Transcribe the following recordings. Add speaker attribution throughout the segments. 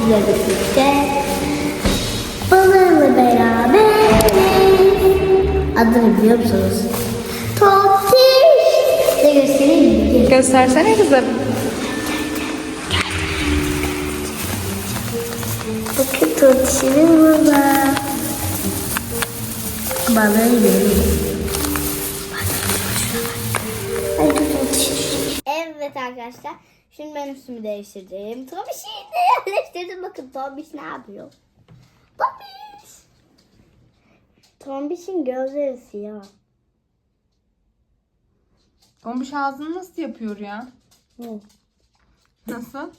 Speaker 1: sizlerle birlikte balığıyla beraberiz. Adını biliyor musunuz? Totiş. Size göstereyim mi?
Speaker 2: Göstersene kızım.
Speaker 1: Bakın Totiş'imiz burada. Balığı yiyelim. Evet arkadaşlar. Şimdi ben üstümü değiştireceğim. Tombiş'i de yerleştirdim. Bakın Tombiş ne yapıyor? Tombiş. Tombiş'in gözleri siyah.
Speaker 2: Tombiş ağzını nasıl yapıyor ya?
Speaker 1: Hı.
Speaker 2: Nasıl?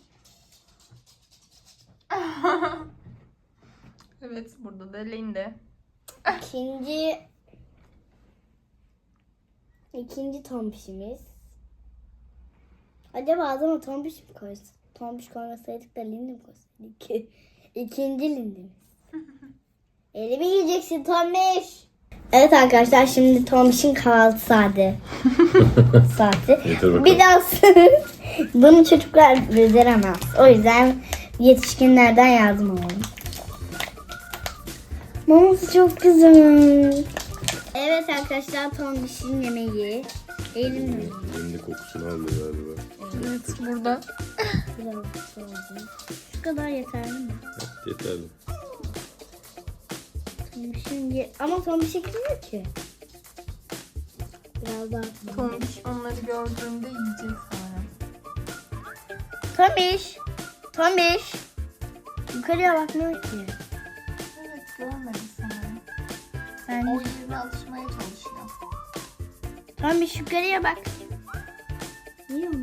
Speaker 2: Evet, burada da Linde.
Speaker 1: İkinci Tombiş'imiz. Acaba adama Tombiş mi koysak? Tombiş koymasaydık da Linde mi koysaydık? İkinci Linde'miz. Elimi yiyeceksin Tombiş. Evet arkadaşlar, şimdi Tombiş'in kahvaltı saati. Biraz bunu çocuklar beceremez. O yüzden yetişkinlerden yardım alalım. Maması çok güzel. Evet arkadaşlar, Tombiş'in yemeği. Elimle.
Speaker 3: Elinde kokusunu aldı galiba.
Speaker 2: Evet, burada.
Speaker 1: Biraz lazım. Şu kadar yeterli mi?
Speaker 3: Yeterli.
Speaker 1: Tombiş'in ama Tombiş ekliyor ki. Biraz daha.
Speaker 2: Tombiş onları gördüğünde yiyecek sonra.
Speaker 1: Tombiş. Yukarıya bakmıyor ki.
Speaker 2: Evet, görmedi sanırım.
Speaker 1: Sen
Speaker 2: O yerine alışmaya çalışıyor.
Speaker 1: Tombiş yukarıya bak. Niye onu?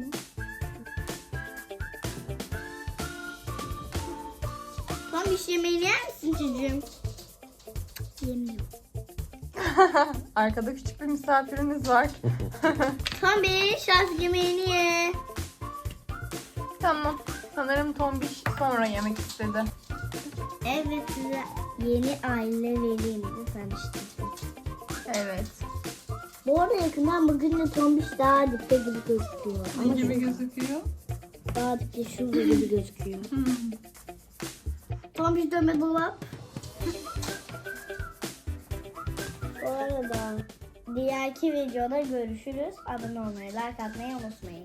Speaker 1: Tombiş yemeğini yer misin çocuğum? Yemiyor.
Speaker 2: Arkada küçük bir misafirimiz var.
Speaker 1: Tombiş az yemeğini ye.
Speaker 2: Tamam. Sanırım Tombiş sonra yemek istedi.
Speaker 1: Evet, size yeni aile velimizi tanıştırdım.
Speaker 2: Evet.
Speaker 1: Bu arada yakından bakınca Tombiş daha dipte gibi gözüküyor.
Speaker 2: Ne gibi gözüküyor?
Speaker 1: Daha dipte şurada gibi gözüküyor. Tombiş dönme dolap. Bu arada diğerki videoda görüşürüz. Abone olmayı, like atmayı unutmayın.